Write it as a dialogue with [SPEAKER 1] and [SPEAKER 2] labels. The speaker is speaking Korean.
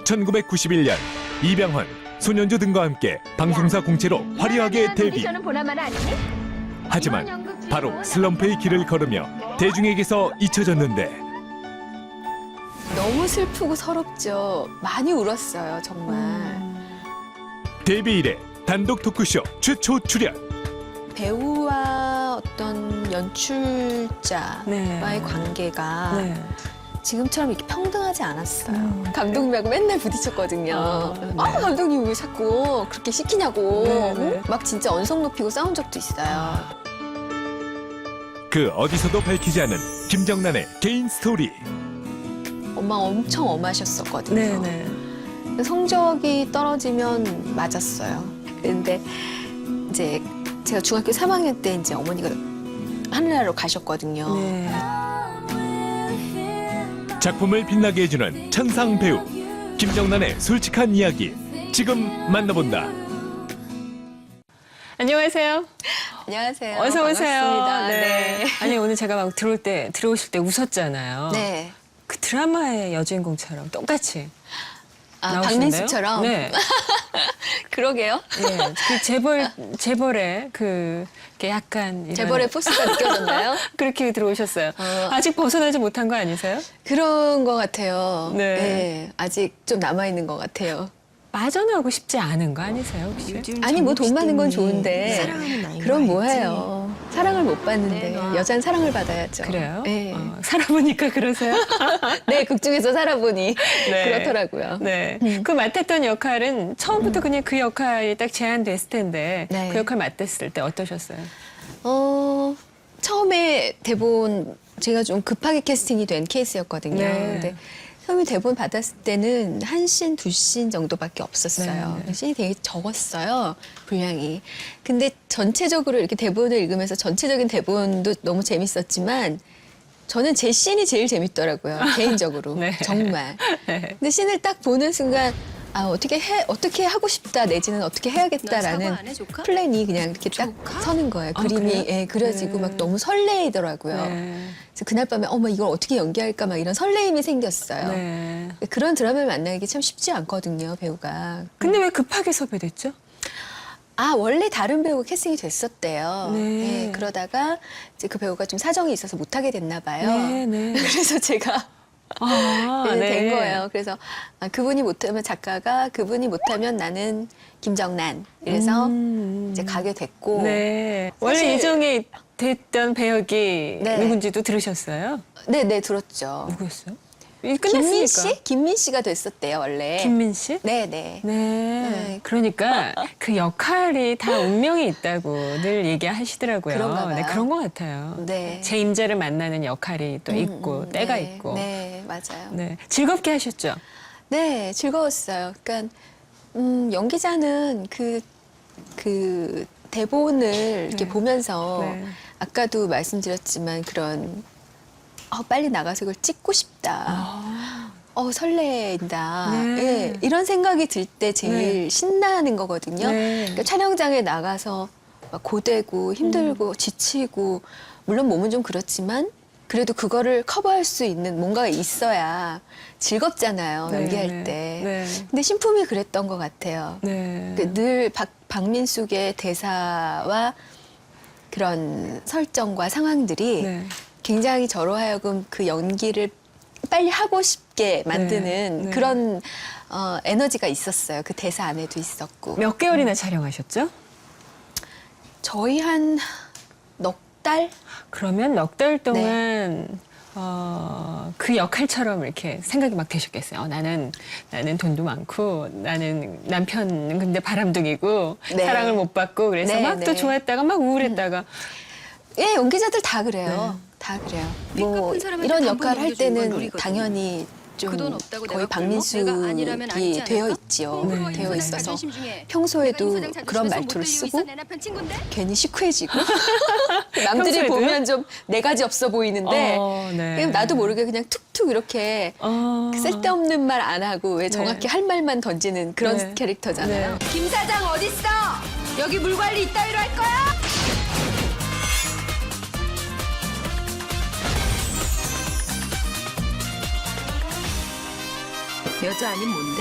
[SPEAKER 1] 1991년 이병헌, 손현주 등과 함께 방송사 공채로 화려하게 데뷔. 하지만 바로 슬럼프의 길을 걸으며 대중에게서 잊혀졌는데
[SPEAKER 2] 너무 슬프고 서럽죠. 많이 울었어요, 정말.
[SPEAKER 1] 데뷔 이래 단독 토크쇼 최초 출연.
[SPEAKER 2] 배우와 어떤 연출자와의
[SPEAKER 3] 네.
[SPEAKER 2] 관계가
[SPEAKER 3] 네.
[SPEAKER 2] 지금처럼 이렇게 평등하지 않았어요. 감독님하고 맨날 부딪혔거든요. 감독님 왜 자꾸 그렇게 시키냐고.
[SPEAKER 3] 네, 네.
[SPEAKER 2] 응? 막 진짜 언성 높이고 싸운 적도 있어요.
[SPEAKER 1] 그 어디서도 밝히지 않은 김정란의 개인 스토리.
[SPEAKER 2] 엄마 엄청 엄하셨었거든요.
[SPEAKER 3] 네네.
[SPEAKER 2] 성적이 떨어지면 맞았어요. 근데 이제 제가 중학교 3학년 때 이제 어머니가 하늘나라로 가셨거든요.
[SPEAKER 3] 네.
[SPEAKER 1] 작품을 빛나게 해주는 천상 배우 김정란의 솔직한 이야기 지금 만나본다.
[SPEAKER 3] 안녕하세요.
[SPEAKER 2] 안녕하세요.
[SPEAKER 3] 어서 오세요.
[SPEAKER 2] 반갑습니다. 네.
[SPEAKER 3] 아니 오늘 제가 막 들어오실 때 웃었잖아요.
[SPEAKER 2] 네.
[SPEAKER 3] 그 드라마의 여주인공처럼 똑같이
[SPEAKER 2] 아,
[SPEAKER 3] 나오시는데요?
[SPEAKER 2] 박민수처럼?
[SPEAKER 3] 네.
[SPEAKER 2] 그러게요.
[SPEAKER 3] 네. 그 재벌의 그 이렇게 약간 이런
[SPEAKER 2] 재벌의 포스가 느껴졌나요?
[SPEAKER 3] 그렇게 들어오셨어요. 아직 벗어나지 못한 거 아니세요?
[SPEAKER 2] 그런 것 같아요.
[SPEAKER 3] 네.
[SPEAKER 2] 네. 아직 좀 남아있는 것 같아요.
[SPEAKER 3] 빠져나오고 싶지 않은 거 아니세요 혹시?
[SPEAKER 2] 아니, 뭐 돈 많은 건 좋은데.
[SPEAKER 4] 사랑하는 나이가
[SPEAKER 2] 그럼
[SPEAKER 4] 있지.
[SPEAKER 2] 뭐해요. 사랑을 못 받는데. 여자는 사랑을 받아야죠.
[SPEAKER 3] 그래요?
[SPEAKER 2] 네.
[SPEAKER 3] 살아보니까 그러세요?
[SPEAKER 2] 네, 극 중에서 살아보니
[SPEAKER 3] 네.
[SPEAKER 2] 그렇더라고요.
[SPEAKER 3] 네. 그 맡았던 역할은 처음부터 그냥 그 역할이 딱 제안됐을 텐데
[SPEAKER 2] 네.
[SPEAKER 3] 그 역할 맡았을 때 어떠셨어요?
[SPEAKER 2] 처음에 대본 제가 좀 급하게 캐스팅이 된 케이스였거든요.
[SPEAKER 3] 네.
[SPEAKER 2] 근데 처음에 대본 받았을 때는 한 씬, 두 씬 정도밖에 없었어요.
[SPEAKER 3] 네.
[SPEAKER 2] 씬이 되게 적었어요, 분량이. 근데 전체적으로 이렇게 대본을 읽으면서 전체적인 대본도 너무 재밌었지만 저는 제 씬이 제일 재밌더라고요, 개인적으로.
[SPEAKER 3] 네.
[SPEAKER 2] 정말.
[SPEAKER 3] 네.
[SPEAKER 2] 근데 씬을 딱 보는 순간 아, 어떻게 하고 싶다 내지는 어떻게 해야겠다라는 플랜이 그냥 이렇게 딱 서는 거예요.
[SPEAKER 3] 아,
[SPEAKER 2] 그림이
[SPEAKER 3] 그래요?
[SPEAKER 2] 예, 그려지고
[SPEAKER 3] 네.
[SPEAKER 2] 막 너무 설레이더라고요.
[SPEAKER 3] 네.
[SPEAKER 2] 그래서 그날 밤에 어머 이걸 어떻게 연기할까 막 이런 설레임이 생겼어요.
[SPEAKER 3] 네.
[SPEAKER 2] 그런 드라마를 만나기 참 쉽지 않거든요, 배우가.
[SPEAKER 3] 근데 왜 급하게 섭외됐죠?
[SPEAKER 2] 아, 원래 다른 배우가 캐스팅이 됐었대요.
[SPEAKER 3] 네.
[SPEAKER 2] 예, 그러다가 이제 그 배우가 좀 사정이 있어서 못하게 됐나 봐요.
[SPEAKER 3] 네, 네.
[SPEAKER 2] 그래서 제가
[SPEAKER 3] 아,
[SPEAKER 2] 네,
[SPEAKER 3] 네.
[SPEAKER 2] 된 거예요. 그래서 그분이 못하면 작가가 그분이 못하면 나는 김정란 이래서 이제 가게 됐고
[SPEAKER 3] 네.
[SPEAKER 2] 사실-
[SPEAKER 3] 원래 이정에 됐던 배역이
[SPEAKER 2] 네.
[SPEAKER 3] 누군지도 들으셨어요?
[SPEAKER 2] 네 들었죠.
[SPEAKER 3] 누구였어요? 끝났으니까.
[SPEAKER 2] 김민 씨? 김민 씨가 됐었대요 원래.
[SPEAKER 3] 김민 씨?
[SPEAKER 2] 네네.
[SPEAKER 3] 네. 그러니까 그 역할이 다 운명이 있다고 늘 얘기하시더라고요.
[SPEAKER 2] 그런가 봐요.
[SPEAKER 3] 네, 그런 것 같아요.
[SPEAKER 2] 네.
[SPEAKER 3] 제 임자를 만나는 역할이 또 있고 때가
[SPEAKER 2] 네,
[SPEAKER 3] 있고.
[SPEAKER 2] 네 맞아요.
[SPEAKER 3] 네. 즐겁게 하셨죠?
[SPEAKER 2] 네 즐거웠어요. 그러니까 연기자는 그 대본을 이렇게
[SPEAKER 3] 네.
[SPEAKER 2] 보면서
[SPEAKER 3] 네.
[SPEAKER 2] 아까도 말씀드렸지만 그런 빨리 나가서 이걸 찍고 싶다. 설레인다.
[SPEAKER 3] 네.
[SPEAKER 2] 예, 이런 생각이 들 때 제일
[SPEAKER 3] 네.
[SPEAKER 2] 신나는 거거든요.
[SPEAKER 3] 네.
[SPEAKER 2] 그러니까 촬영장에 나가서 막 고되고 힘들고 지치고 물론 몸은 좀 그렇지만 그래도 그거를 커버할 수 있는 뭔가가 있어야 즐겁잖아요.
[SPEAKER 3] 네,
[SPEAKER 2] 연기할
[SPEAKER 3] 네.
[SPEAKER 2] 때.
[SPEAKER 3] 네.
[SPEAKER 2] 근데 신품이 그랬던 것 같아요.
[SPEAKER 3] 네.
[SPEAKER 2] 늘 박민숙의 대사와 그런 설정과 상황들이
[SPEAKER 3] 네.
[SPEAKER 2] 굉장히 저로 하여금 그 연기를 빨리 하고 싶게 만드는
[SPEAKER 3] 네, 네.
[SPEAKER 2] 그런 에너지가 있었어요. 그 대사 안에도 있었고.
[SPEAKER 3] 몇 개월이나 촬영하셨죠?
[SPEAKER 2] 저희 한 넉 달?
[SPEAKER 3] 그러면 넉 달
[SPEAKER 2] 네.
[SPEAKER 3] 동안 그 역할처럼 이렇게 생각이 막 되셨겠어요. 나는 돈도 많고 나는 남편은 근데 바람둥이고
[SPEAKER 2] 네.
[SPEAKER 3] 사랑을 못 받고 그래서
[SPEAKER 2] 네,
[SPEAKER 3] 막 또
[SPEAKER 2] 네.
[SPEAKER 3] 좋았다가 막 우울했다가
[SPEAKER 2] 예, 연기자들 다 그래요. 다 그래요. 뭐 이런 역할을 할 때는 당연히 좀 거의 박민숙이 되어 있지요.
[SPEAKER 3] 네.
[SPEAKER 2] 되어 있어서 평소에도 그런 말투를 쓰고 괜히 시크해지고 남들이
[SPEAKER 3] 평소에도요?
[SPEAKER 2] 보면 좀 네 가지 없어 보이는데
[SPEAKER 3] 네.
[SPEAKER 2] 그냥 나도 모르게 그냥 툭툭 이렇게 쓸데없는 말 안 하고 왜 정확히 할 말만 던지는 그런
[SPEAKER 3] 네.
[SPEAKER 2] 캐릭터잖아요.
[SPEAKER 3] 네.
[SPEAKER 4] 김 사장 어딨어? 여기 물 관리 이따위로 할 거야? 여자 아닌 뭔데?